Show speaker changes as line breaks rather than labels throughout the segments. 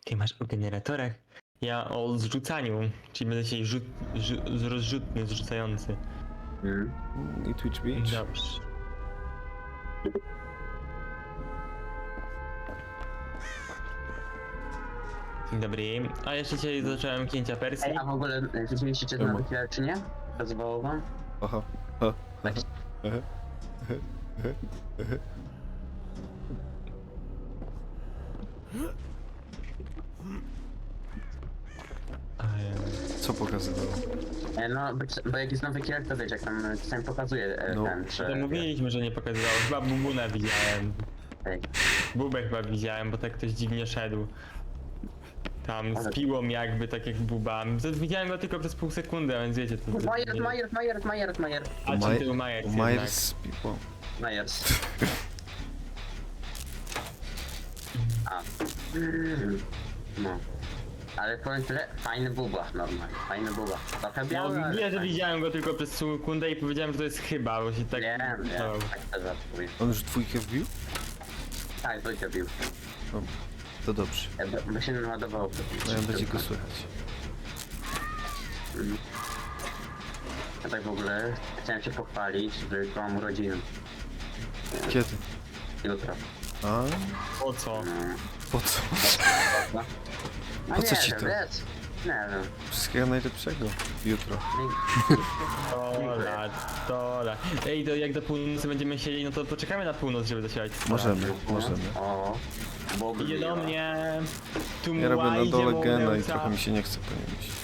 Ty masz o generatorach? Ja o zrzucaniu, czyli będę dzisiaj rozrzutny, zrzucający.
I Twitch Beach?
Dobrze. Dzień dobry. A jeszcze dzisiaj zacząłem księcia Persji.
Ej, a w ogóle widzieliście czy to chwilę, czy nie? Rozwołało wam?
Aha. Ha.
Tak.
Co pokazywało?
No, bo jak jest nowy killer, to wiecie, jak tam czasami pokazuje
No.
ten,
To
że...
mówiliśmy, że nie pokazywało. Chyba Bubuna widziałem.
Ej,
Bubę chyba widziałem, bo tak ktoś dziwnie szedł. Tam z piłą jakby, tak jak Buba. Widziałem go tylko przez pół sekundy, a więc wiecie to...
Majer.
A czy ty był Majers jednak?
Myers z piłą.
Majers. A. No. Ale powiem tyle, fajny buba, normalnie, fajny buba. Trochę
No,
biały, ale
wiem, że
fajny.
widziałem go tylko przez sekundę i powiedziałem, że to jest chyba, bo się tak...
Wiem,
no.
tak to żartuję.
On już dwójkę wbił?
Tak, dwójkę bił.
O, to dobrze.
Bo się naładowało.
No ja będzie go słychać.
Ja tak w ogóle chciałem się pochwalić, że jutro mam urodziny.
Kiedy?
Jutro.
A?
Po co?
Po co?
No
Po co
nie
ci
wiem,
to?
wiesz? Nie wiem.
Wszystkiego najlepszego. Jutro.
Tola. Ej, to jak do północy będziemy siedzieć, no to poczekamy na północ, żeby zasiadać.
Możemy.
O, Bogu
Idzie do mnie. Tu
Ja robię na dole gena i
Młajdzie,
trochę mi się nie chce po nim iść.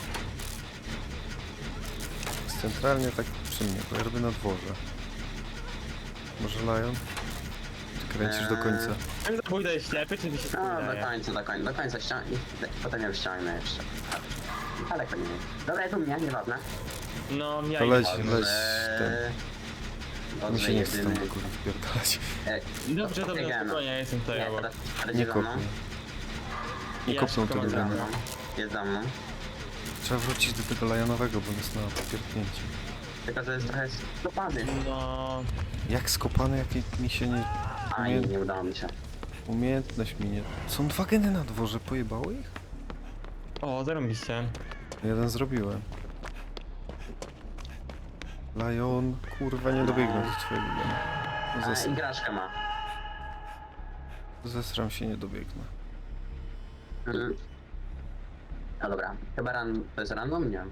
Jest centralnie tak przy mnie, bo ja robię na dworze. Może Lion? Ty kręcisz do końca.
Ten zabójca jest ślepy, czy mi się
No,
wydaje?
do końca ściągnę. Potem ją ściągnę jeszcze. Ale to nie wiem. Dobra, tu mnie, nieważne.
No, ja
To
idę.
leć ten. Mi
Dobrze,
się nie chce tam
jedyny.
kurwa wpierdalać.
Dobrze, dobrze,
Biegamy.
spokojnie, ja jestem tutaj
Nie,
obok.
teraz
Nie
jest za mną.
kopnij. Nie
Ja
kopną
szybko
tego
mam
Jest za
gena.
mną. Jest za mną.
Trzeba wrócić do tego Lionowego, bo on jest na pierdnięciu.
Tylko, że jest trochę skopany.
No...
Jak skopany, jak mi się nie...
Aj, nie udało mi się.
Umiejętność mi nie... Są dwa geny na dworze, pojebało ich?
O, zarobiście.
Jeden zrobiłem. Lion, kurwa, nie dobiegnę do twojego gena.
A, igraszkę ma.
Zesram się, nie dobiegnę.
No dobra, chyba to jest random? Nie wiem.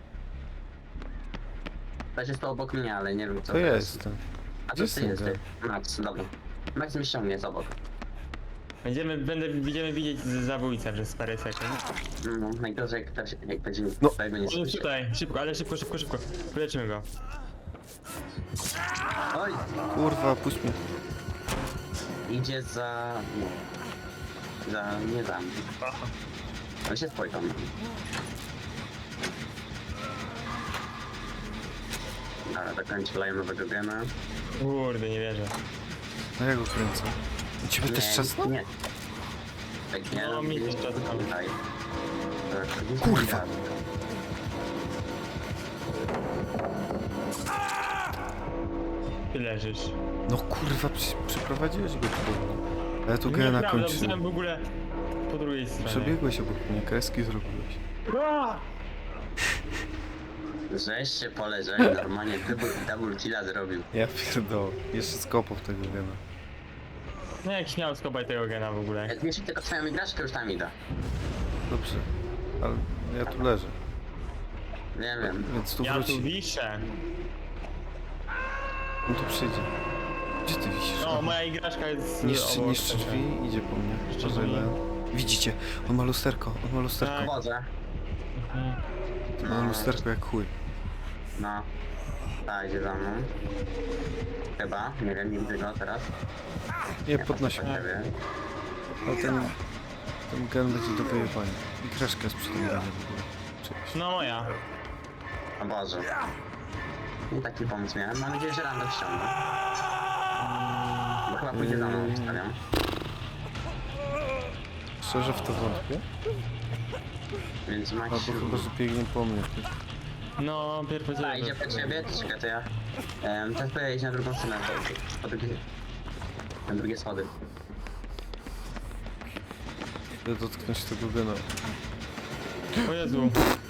Też jest to obok mnie, ale nie wiem co
To jest ten.
A
Gdzie
to ty
jest
jest
ten
ty. Max, dobra. Max mi ściągnie jest obok.
Będziemy widzieć zabójcę przez parę sekund.
No, najgorzej jak będzie
No.
tego nie
On jest
słyszy.
tutaj, szybko, ale szybko. Poleczymy go.
Oj!
Kurwa, puść mnie.
Idzie za... nie za mnie. On się spojrzał na mnie. Dobra, dokończę Lionowego gena.
Kurde, nie wierzę.
No ja go kręcę. U ciebie też czas?
Nie. Tak nie,
No, mi
nie,
też czas tam.
tutaj.
Kurwa.
Ty leżysz.
No kurwa, przeprowadziłeś go tu. A ja tu gena
Nieprawda,
kończyłem.
byłem w ogóle po drugiej stronie.
Przebiegłeś obok mnie, kreski zrobiłeś.
Żeś się poleżał, normalnie double killa zrobił.
Ja pierdolę. Jeszcze skopał tego gena.
No jak śmiał skopać tego gena w ogóle.
Jak wiesz, tylko twoją igraszkę już tam idę.
Dobrze. Ale ja tu leżę,
Wiem.
więc tu
Ja tu
wróci.
wiszę.
On tu przyjdzie. Gdzie ty wisisz?
No, moja igraszka jest obok
Niszczy
tego.
drzwi, idzie po mnie.
Niszczy
Uważaj,
drzwi.
Leon. Widzicie? On ma lusterko, on ma lusterko.
Tak.
Wodzę.
Mhm.
On ma lusterko jak chuj.
No. Tak, idzie za mną. Chyba, nie wiem, nie widzę go teraz.
Nie, podnosi
Tak,
mnie.
nie wiem.
Ale ten gen będzie do wyjebania. I kraszka jest przy tym genie w ogóle. Cześć.
No moja.
O Boże. Nie taki pomysł miałem, mam nadzieję, że random ściągnę. Bo chyba pójdzie za mną, stawiam.
Szczerze w to wątpię.
Więc Max...
Albo chyba, że biegnie po mnie.
No, pierwszy
A, idzie po ciebie? Czekaj, to ja... Teraz pojedzie na drugą stronę, na drugie schody.
Idę dotknąć tego gena.
O Jezu.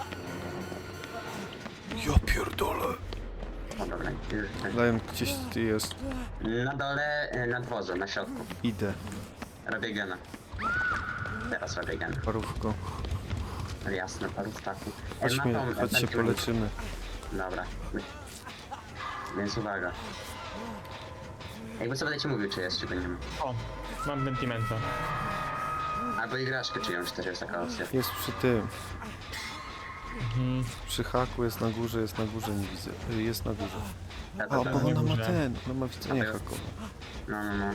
Ja pierdolę.
O dobra, już.
Lion, gdzieś ty jest.
Na dole, na dworze, na środku.
Idę.
Robię gena. Teraz robię gena.
Parówko.
Jasne, paru staków.
Chodźmy, chodź się poleczymy.
Dobra. Więc uwaga. Jakby co będę ci mówił, czy jest, czy go nie ma.
O, mam sentimenta.
Albo igraszkę czyjąś też jest taka opcja.
Jest przy tym.
Mhm.
Przy haku jest na górze, nie widzę. Jest na górze.
Ja
A,
to
bo
tam-
ona ma
górze.
ten, ona ma widzenie
Dobra.
hakowe.
No.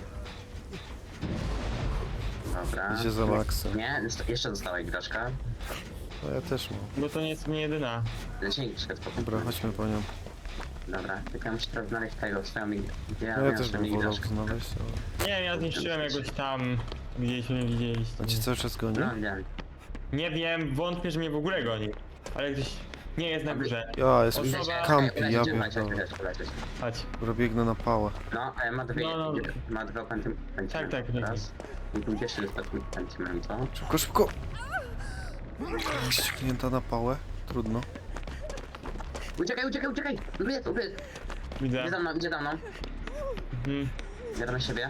Dobra.
Idzie za Maxem.
Nie, jeszcze została igraszka.
No ja też mam.
Bo to nie jest nie jedyna.
Dzięki, troszkę spokojnie.
Dobra, chodźmy po nią.
Dobra, tylko ja muszę teraz znaleźć tego, swoją
No ja też bym wolał znaleźć, ale...
Nie, ja zniszczyłem jakoś tam, gdzieś mnie widzieliście.
On cię cały czas goni?
No, wiem.
Nie wiem, wątpię, że mnie w ogóle goni. Ale gdzieś nie jest na górze.
Ja, jest
Osoba-
kampi, ja
Ulecieć.
pierdolę.
Chodź.
Dobra, biegnę na pałę.
No, ma dwie,
No.
ma dwa pentymenty.
Tak,
Raz. I tu jeszcze jest taki pentyment, co?
Szybko, szybko! Ściągnięta na pałę? Trudno.
Uciekaj! Ubiec!
Widzę.
Idzie za mną.
Mhm.
Jadę na siebie.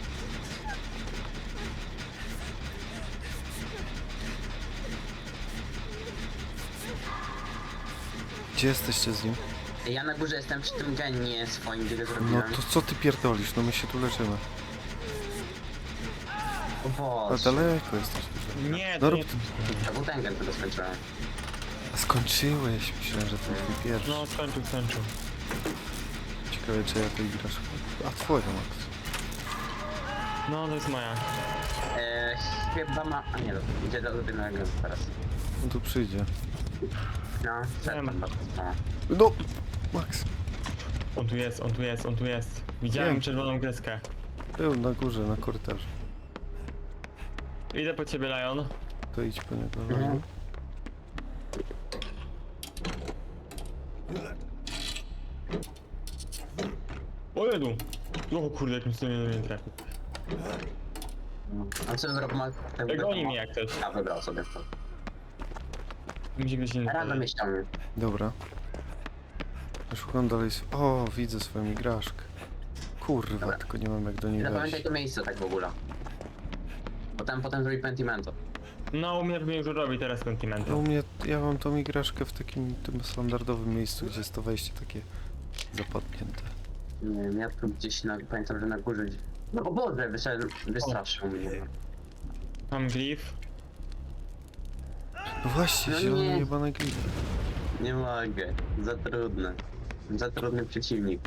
Gdzie jesteście z nim?
Ja na górze jestem przy tym genie swoim, gdzie go
No
zrobiłem.
to co ty pierdolisz? No my się tu leczymy.
O
A
Boże.
daleko jesteś dużo.
Nie,
No
to
rób...
nie...
To był ten gen, który skończyłem.
A skończyłeś? Myślałem, że to twój pierwszy.
No, skończył.
Ciekawe, czy ja to igrasz. A twoja, Max.
No, to jest moja.
Chyba ma... A nie, idzie do ulubionego gena teraz.
On tu przyjdzie.
No,
Wiem.
bardzo.
No! Max.
On tu jest. Widziałem
Wiem.
czerwoną kreskę.
Był na górze, na korytarzu.
Idę po ciebie, Lion.
To idź po niego.
Mhm.
O Jezu! O kurde, jakim cudem mnie nie trafił.
A co zrobił?
Goni mnie jak coś.
A, wybrał sobie to.
Mi się ktoś inny
Rano
podał.
mnie ściągnie.
Dobra. Szukam dalej... O, widzę swoją igraszkę. Kurwa,
Dobra.
tylko nie mam jak do niej
Zapamiętaj
wejść.
to miejsce tak w ogóle. Bo tam potem zrobi pentimento.
No, u mnie pewnie już robi teraz
No
sentimenta.
u mnie, ja mam tą igraszkę w takim tym standardowym miejscu, gdzie jest to wejście takie zapadnięte.
Nie wiem, ja tu gdzieś pamiętam, że na górze... No o Boże, wystraszył mnie.
Mam glif.
No właśnie,
No
zielony
nie.
jebany glif.
Nie mogę, za trudne. Za trudny przeciwnik.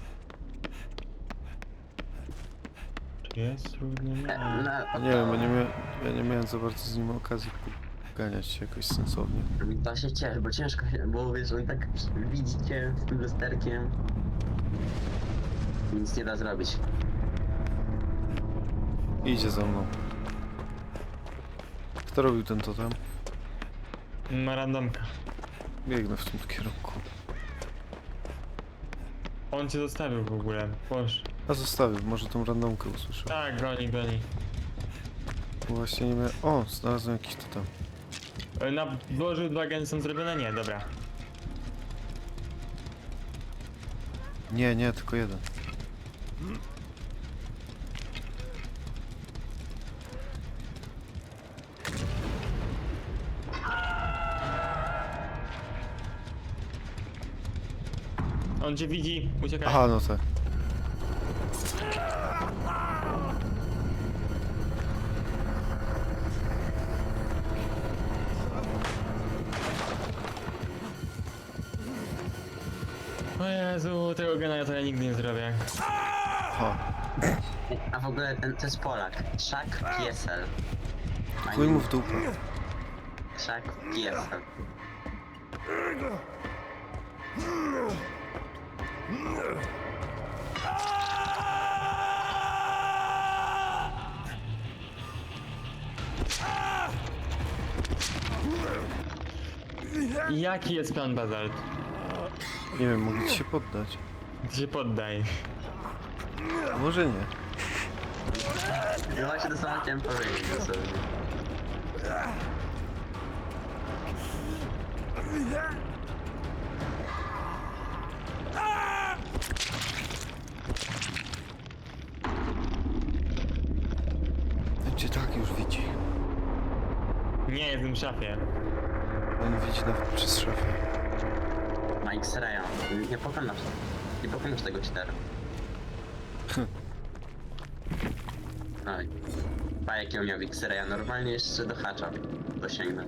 Czy jest trudny?
Nie wiem, bo ja nie miałem za bardzo z nim okazji poganiać się jakoś sensownie.
To się cieszę, bo ciężko, bo wiesz, on tak widzicie z tym lusterkiem. Nic nie da zrobić.
Idzie za mną. Kto robił ten totem?
Ma randomka.
Biegnę w tym kierunku.
On cię zostawił w ogóle. Boż.
A zostawił, może tą randomkę usłyszał.
Tak, goni.
Właśnie nie miałem... O, znalazłem jakiś totem.
Na dworzu 2 geny są zrobione? Nie, dobra.
Nie, tylko jeden.
On cię widzi, uciekaj.
Aha, no tak.
O Jezu, tego gena to ja nigdy nie zrobię.
Aha.
A w ogóle to jest Polak. Szak Piesel.
Chuj mu w dupę.
Szak Piesel.
Jaki jest plan Bazalt?
Nie wiem, mogę ci się poddać.
Ty się poddaj.
Może nie.
No właśnie to samo chciałem powiedzieć dosłownie.
Nie, jestem w szafie.
On widzi przez szafę.
Ma X-raya. Nie pokonasz tego cheatera. Oj. Pa jakiego miał X-raya, normalnie jeszcze do hacza dosięgnę.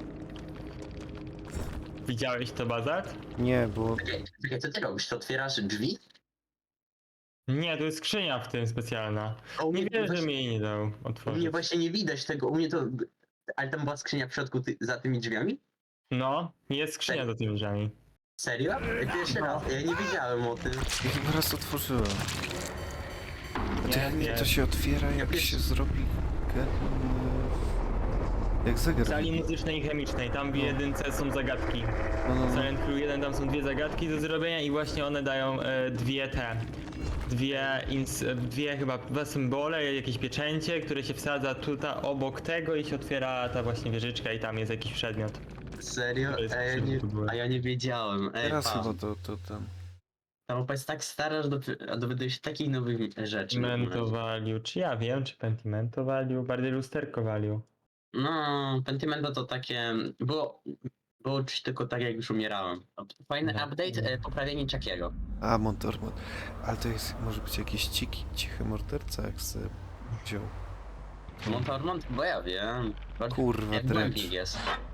Widziałeś to, Bazat?
Nie, bo
Czekaj, co ty robisz? To otwierasz drzwi?
Nie, to jest skrzynia w tym specjalna.
A u
Nie
mnie
wierzę, że
właśnie-
mi jej nie dał
U mnie
otworzyć.
właśnie nie widać tego, u mnie to... Ale tam była skrzynia w środku za tymi drzwiami?
No, jest skrzynia za tymi drzwiami.
Serio? Pierwszy raz, ja nie wiedziałem o tym.
ja chyba raz otworzyłem. A to,
Nie,
jak
nie.
to się otwiera, jak
pierwszy-
się zrobi... Jak zegar.
W sali muzycznej i chemicznej, tam w jedynce są zagadki.
No.
W Silent Hill 1 tam są dwie zagadki do zrobienia i właśnie one dają dwie chyba dwa symbole, jakieś pieczęcie, które się wsadza tutaj obok tego i się otwiera ta właśnie wieżyczka i tam jest jakiś przedmiot.
Serio?
To jest
A ja nie wiedziałem. Ej,
Teraz
pa.
chyba to tam.
Ta mapa jest tak stara, że dowiaduje się takich nowych rzeczy.
Mento value, czy ja wiem, czy pentimento value, bardziej lusterko value.
No, Pentimento to takie... Było czuć tylko tak, jak już umierałem. Fajny
No.
update, poprawienie Chuckiego.
A, Montormon. Ale to jest, może być jakiś cichy morderca, jak se wziął.
Montormont? Bo ja wiem.
Kurwa,
Jak
drecz.
głębik jest.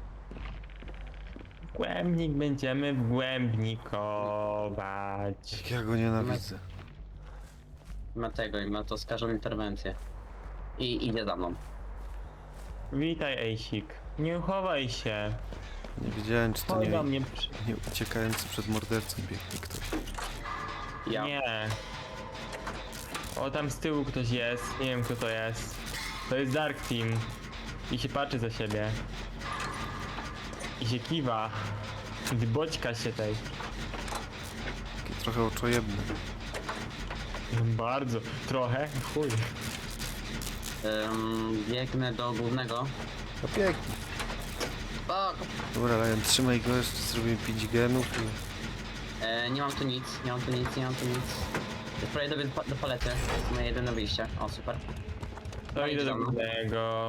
Głębnik będziemy wgłębnikować.
Jak ja go nienawidzę.
Ma tego i ma to skażą interwencję. I idzie za mną.
Witaj, Ejsik. Nie chowaj się.
Nie wiedziałem, czy to
Chodź
nie,
do mnie.
nie uciekający przed mordercą biegnie ktoś.
Ja.
Nie. O, tam z tyłu ktoś jest. Nie wiem, kto to jest. To jest Dark Team. I się patrzy za siebie. I się kiwa. Boćka się tej.
Taki trochę oczojebny.
Bardzo. Trochę. Chuj.
Biegnę do głównego.
No pięknie.
O,
Dobra, Lion, trzymaj go, jeszcze zrobimy 5 genów i...
nie mam tu nic. Spróbuję do palety. To jest moje jedyne wyjście. O, super.
To idę do
za mną.
głównego.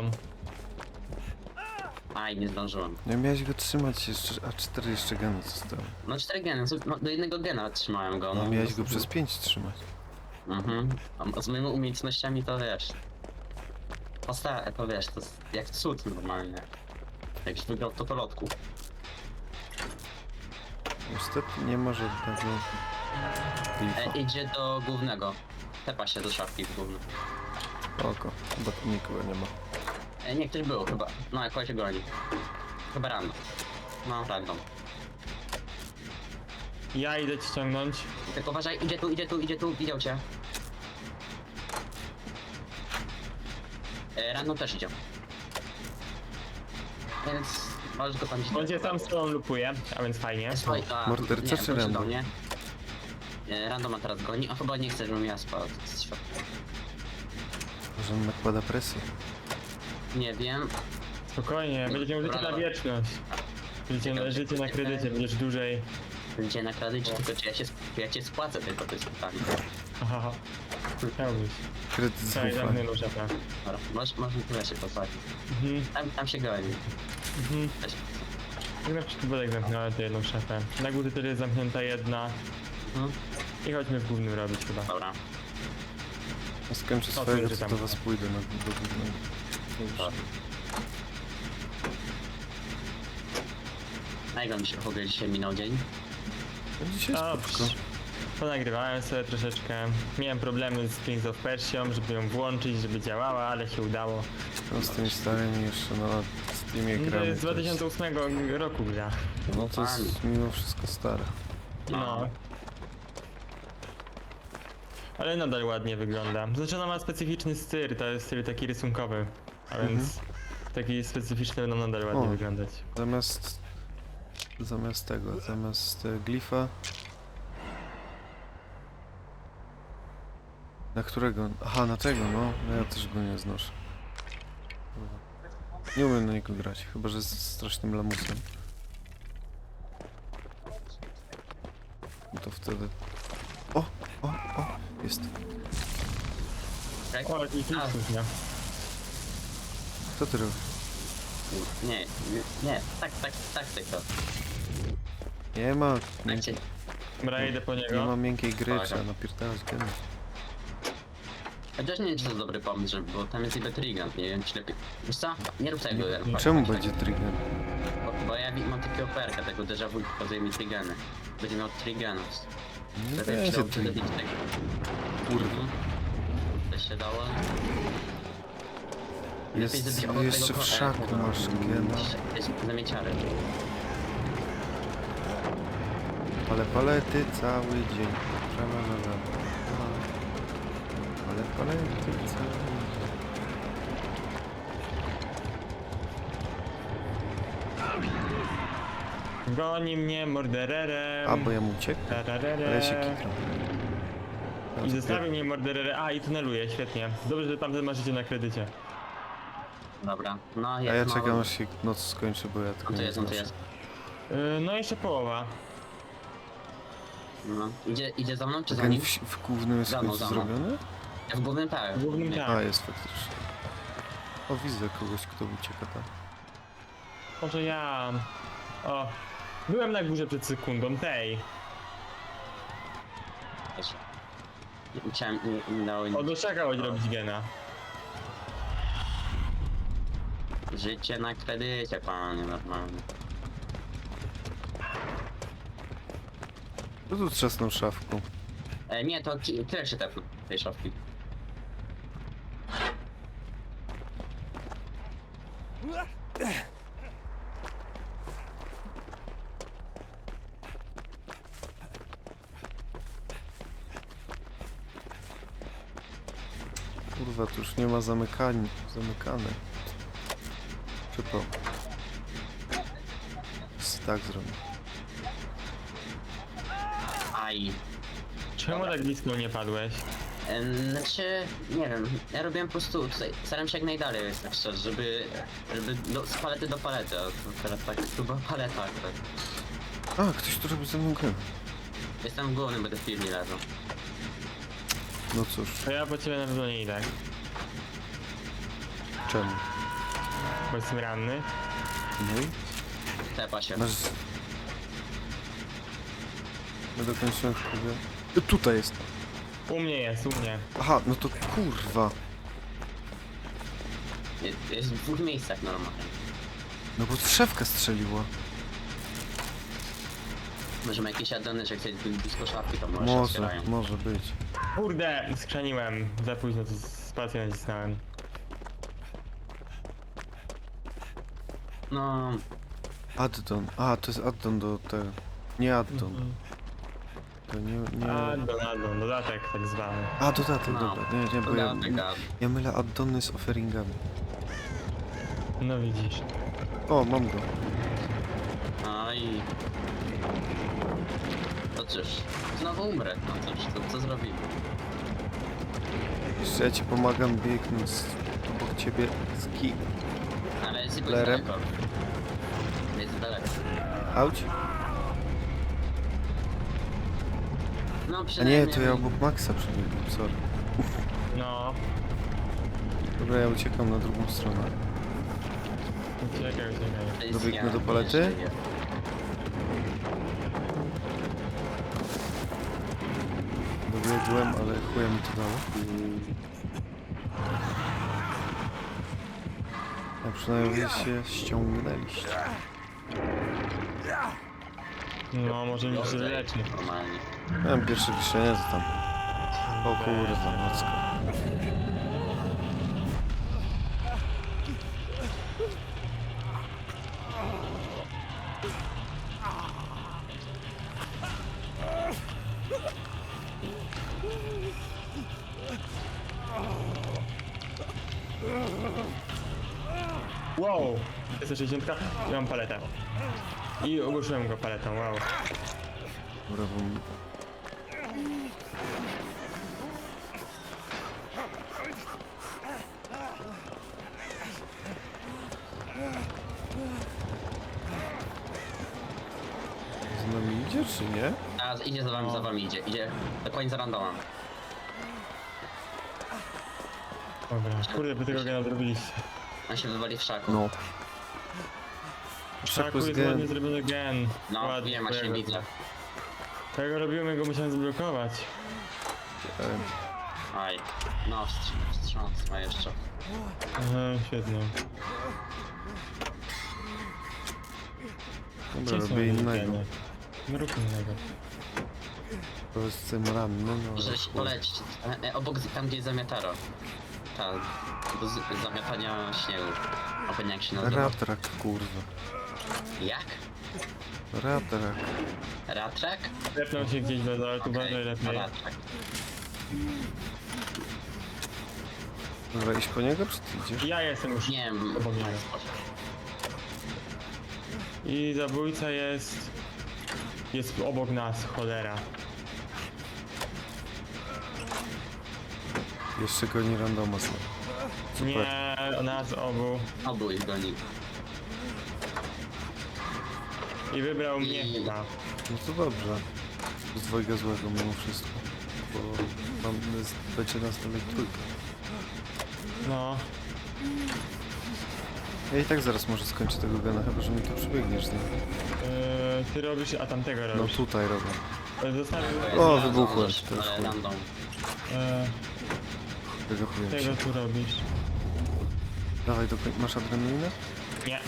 Aj, nie zdążyłem.
Nie miałeś go trzymać jeszcze, a 4 jeszcze geny zostały.
No 4 geny, no, do jednego gena trzymałem go.
No miałeś go przez 5 trzymać.
Mhm. A z moimi umiejętnościami to wiesz. To wiesz, to jest jak cud normalnie. Jakś wygrał to lotku.
Niestety nie ma żadnego... Glifa.
Idzie do głównego. Tepa się do szafki w głównym.
Oko, chyba tu nikogo nie ma.
Nie, ktoś był chyba. No, jakoś się goni. Chyba random. No, random.
Ja idę ci ściągnąć.
Tylko uważaj, idzie tu, widział cię. Random też idzie. Więc możesz go tam gdzieś...
On cię sam z tobą lupuje, a więc fajnie.
Słuchaj,
Morderca
nie,
czy
wróci do
random?
mnie. Random ma teraz goni, a chyba nie chce, żebym ja spał z środka.
Może on nakłada presję.
Nie wiem.
Spokojnie, będziesz miał życie na
Brawo.
wieczność. Życie na kredycie, będziesz dłużej.
Będzie na kredycie, tylko czy ja cię spłacę, tylko to jest pytanie.
Aha, chciałbyś.
Kredyt
Cześć,
zaufania.
zamknę szafę.
Dobra, możemy tyle się posłać. Tam się goni. Też.
Jak na przypadek zamknąłem tę jedną szafę. Na górze też jest zamknięta jedna.
Mhm.
I chodźmy w głównym robić chyba.
Dobra.
Ja skończę
O,
swojego,
tu
to
tam.
do was pójdę do głównego.
Dobra. A jak wam się w ogóle dzisiaj minął dzień?
Dzisiaj spoko.
Ponagrywałem sobie troszeczkę. Miałem problemy z Prince of Persia, żeby ją włączyć, żeby działała, ale się udało.
No z tymi starymi jeszcze na Steamie
To
gramy.
jest z 2008 roku gra.
No to jest mimo wszystko stare.
No. Ale nadal ładnie wygląda. Znaczy ona ma specyficzny styl, to jest styl taki rysunkowy. A więc taki specyficzny będą nadal ładnie
O.
wyglądać.
Zamiast glifa. Na którego? Aha, na tego, no. No ja też go nie znoszę. Nie umiem na niego grać, chyba że z strasznym lamusem. No to wtedy... O! Jest.
Tak?
O, jakiś luksus, nie?
Co ty robisz?
Nie, nie, tak tylko.
Nie ma,
Tak cię,
Dobra, idę po
nie
niego.
ma miękkiej gry,
Uwaga.
trzeba napierdalać geny.
chociaż nie wiem, czy to jest dobry pomysł, żeby, bo tam jest niby Trigan, nie wiem, czy lepiej... Wiesz co? Nie rób tego.
Czemu będzie trigger?
Bo ja mam takiego perka, tego déjà vu, pokazuje mi Trigany. Będzie miał Triganów.
Nie
Lepiej
będzie
przyjął
trigger.
przebić tego.
Kurwa.
Też się dało.
Jest
zrobić obok
jeszcze
tego
w szaku masz gena.
Jest zamieciary.
Ale palety cały dzień. Tralalala. Ale palety cały dzień.
Goni mnie mordererem.
A, bo ja mu uciekł? Ale ja się kitram.
I zostawił mnie mordererem. A, i tuneluje, świetnie. Dobrze, że tamten ma życie na kredycie.
Dobra, no
A
jest
ja
mało.
czekam aż się noc skończy, bo ja tylko
On tu
nie
jest, on tu
znoszę.
jest.
No jeszcze połowa.
No. Idzie za mną czy za
Gen
nim?
w głównym jest
Za mną,
kogoś
za mną.
zrobiony?
Ja w głównym tak.
W głównym
Nie.
tak.
A, jest faktycznie. O, widzę kogoś, kto ucieka tam.
Może ja... O. Byłem na górze przed sekundą, tej.
Też. Chciałem, nie dało
O, doczekałeś robić gena.
Życie na kredycie, panie, normalnie.
Kto tu trzasnął szafką?
Nie, to tyle się tepnął tej szafki.
Kurwa, tu już nie ma zamykane. Przypał. Tak zrobię.
Aj.
Czemu
Dobra.
tak blisko nie padłeś?
Znaczy, nie wiem, ja robiłem po prostu tutaj, staram się jak najdalej, tak szczerze, żeby z palety do palety, a to teraz tak, tu była paleta akurat.
A, ktoś tu robi ze mną grę.
Jestem główny, będę w piwni leżał.
No cóż,
To ja po ciebie na pewno nie idę.
czemu?
Bo jestem ranny.
No i?
Tepa się.
Masz... Nie dokończyłem wpływu. Tutaj jest.
U mnie jest, u mnie.
Aha, no to kurwa.
Jest w dwóch miejscach normalnie.
No bo szefka strzeliła.
Możemy jakieś addony, że chcesz być blisko szafki, to może
Może,
otwierają.
może być.
Kurde, skrzaniłem. Za późno, to spację nacisnąłem.
No,
Addon. A, to jest addon do tego. Nie addon. To nie...
Addon, dodatek tak zwany.
A, dodatek,
No.
dobra. Nie, bo ja...
dodatek, a
Ja mylę addony z offeringami.
No widzisz.
O, mam go.
no i... To cóż, znowu umrę, no cóż, to co zrobimy?
Jeszcze ja ci pomagam biegnąć obok ciebie z ki...
Ale jest jakoś
Lerem.
daleko. Jest daleko.
Auć?
No
A
przynajmniej...
nie, to ja obok Maxa przebiegłem, sorry.
No.
Dobra, ja uciekam na drugą stronę.
Uciekaj.
To jest
dobiegnę do
ja,
palety?
nie żyję.
Dobiegłem, ale chuja mi to dało. A przynajmniej się ściągnęliście.
No, może mi się leczy.
Normalnie.
Miałem pierwsze wiszenie, to tam... O kurwa, nocka.
Wow! 160 i mam paletę. I ogłuszyłem go paletą, wow.
Dobra, bo... Z nami idzie, czy nie?
A, idzie za wami idzie, idzie do końca randoma.
Dobra, kurde, by tego gena zrobiliście.
On się wywali w szaku.
No.
Szaku jest
gen.
ładnie zrobiony gen.
No,
Ładnie,
wiem, właśnie
tego-
widzę.
Tego robiłem, go musiałem zblokować.
Aj. No, wstrząsła jeszcze.
Aha, świetnie.
Dobra,
Gdzie są
robię
moje
innego.
geny? No rób innego.
To jestem ranny, no.
Może się polecić. Obok tam, gdzie jest zamiataro. Ta, do zamiatania śniegu. A pewnie jak się nazywa.
Ratrak, kurwa.
Jak?
Ratrak.
Ratrak?
Zepnął się gdzieś do dole, tu uważaj lepiej.
Ratrak.
Dobra, iść po niego, czy ty idziesz?
Ja jestem już
Nie wiem.
obok niego. I zabójca jest... Jest obok nas, cholera.
Jeszcze goni randoma sobie. Super.
Nie, nas obu.
Obu ich goni.
I wybrał mnie chyba.
No to dobrze. Z dwojga złego mimo wszystko. Bo będzie nas dalej trójka.
No.
Ja i tak zaraz może skończę tego gana, chyba że mi tu przybiegniesz z nim.
Ty robisz, a tamtego
No
robisz.
tutaj robię.
Zostawił
O, wybuchłem.
Możesz,
To jest
ale
chuj.
random.
Wygapuję
tego
się.
tu robisz.
Dawaj, masz adrenalinę?
Nie.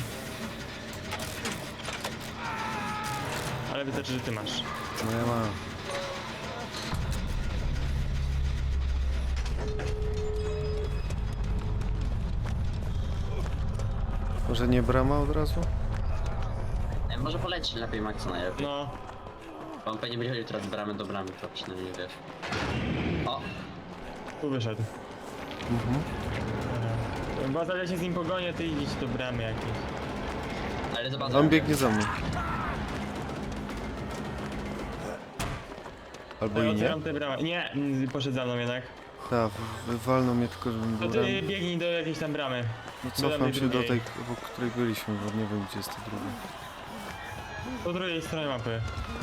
Ale wystarczy, że ty masz.
No ja mam. Może nie brama od razu?
Może polecić lepiej Maxa najlepiej.
No.
On pewnie będzie chodził teraz z bramy do bramy, to przynajmniej wiesz. O!
Tu wyszedł.
Mhm.
Bazalia się z nim pogonię, ty idź do bramy jakiejś.
Ale zobacz.
On biegnie za mną. Albo
Ja
i nie.
otwieram tę bramę. Nie, poszedł za mną jednak.
Tak, wywalną mnie tylko, żebym
To
był
ty
ranny.
biegnij do jakiejś tam bramy.
No
do
cofam
tej
się do
drugiej.
tej, obok której byliśmy, bo nie wiem gdzie jest ta druga.
Po drugiej stronie mapy.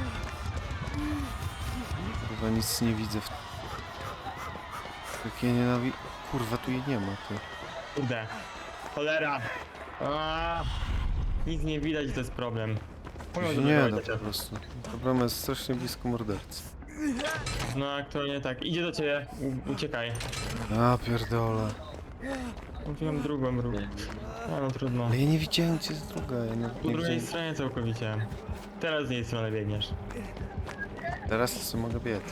Chyba nic nie widzę w... Jak ja nienawidzę... Kurwa, tu jej nie ma, ty.
Kurde. Cholera. Aaaa. Nic nie widać, to jest problem.
Tu
Mogę
się nie da
zablokować
po prostu. Ta brama jest strasznie blisko mordercy.
No aktualnie tak. Idzie do ciebie. Uciekaj.
A pierdolę.
Mówiłem drugą ruch. No trudno.
Ale ja nie widziałem gdzie jest druga, ja nie,
Po
nie
drugiej
widziałem.
stronie całkowicie. Teraz z jej strony biegniesz.
Teraz to sobie mogę biec.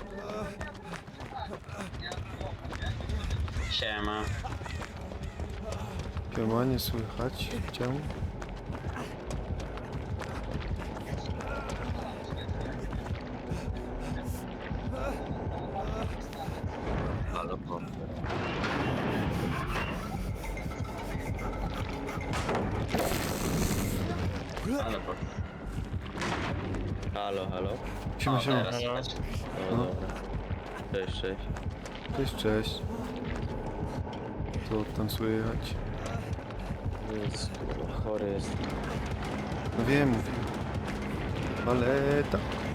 Siema.
Siema, nie słychać cię.
Halo, po. Halo, po.
Halo, halo.
Siema,
O,
siema.
teraz
Halo.
słychać.
No,
No.
dobra. Cześć, cześć.
Cześć, cześć. To tancuje jechać.
Nic, kurwa, chory jest.
No wiem, mówię. Paleta.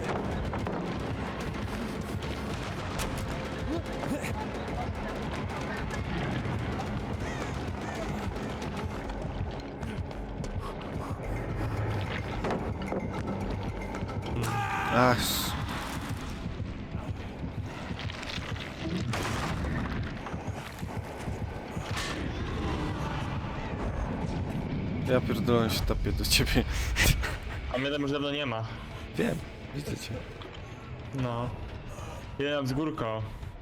Ach. Ja pierdolę się tapię do ciebie.
A mnie tam już dawno nie ma.
Wiem, widzę cię.
No. Jeden tam z górką.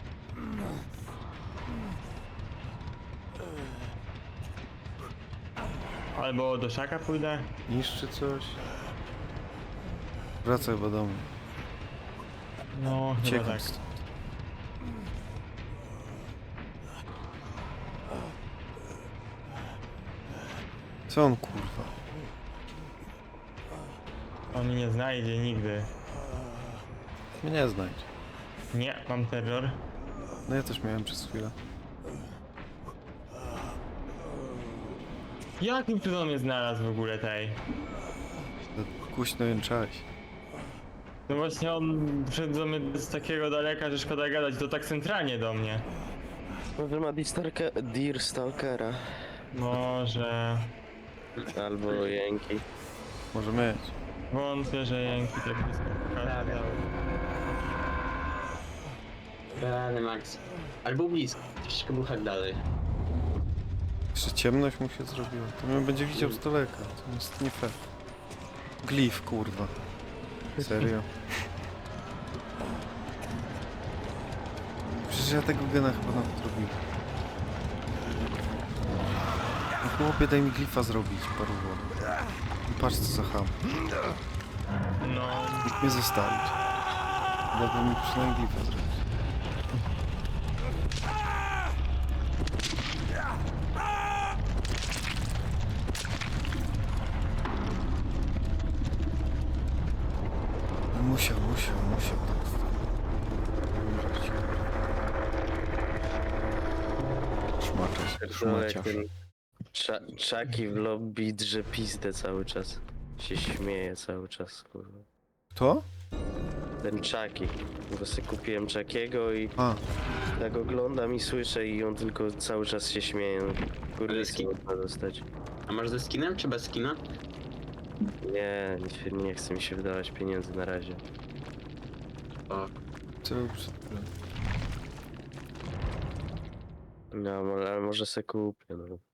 Albo do szaka pójdę.
Niszczy coś. Wracaj chyba do mnie.
No, chyba
Uciekam
tak.
stąd. Co on kurwa?
On mnie nie znajdzie nigdy.
Mnie znajdzie.
Nie, mam terror.
No ja też miałem przez chwilę.
Jakim cudem mnie znalazł w ogóle tej?
Głośno jęczałeś.
No właśnie on wszedł do mnie z takiego daleka, że szkoda gadać, to tak centralnie do mnie.
Może ma Deer Stalkera.
Może...
Albo jęki.
Może mieć.
Wątpię, że jęki tak blisko pokaże.
Rany Max. Albo blisko, troszeczkę był hak dalej.
Jeszcze ciemność mu się zrobiła. To mnie będzie widział z daleka. To jest nie fair. Glif, kurwa. Serio? Przecież ja tego gena chyba nawet robiłem. No chłopie, daj mi glifa zrobić, paruwo. I patrz co za ham.
No,
Nikt mnie zostawić. Dałby mi przynajmniej glifa zrobić. Musiał tak. Umrzeć. Szmaciarz.
ten Chucky w lobby drze pizdę cały czas. Się śmieje cały czas, kurwa.
Kto?
Ten Chucky. Bo sobie kupiłem Chuckiego i
A,
tak oglądam i słyszę i on tylko cały czas się śmieje. Kurwiski można dostać.
A masz ze skinem czy bez skina?
Nie chce mi się wydawać pieniędzy na razie.
O,
co był przed chwilą?
No, ale może se kupię, no.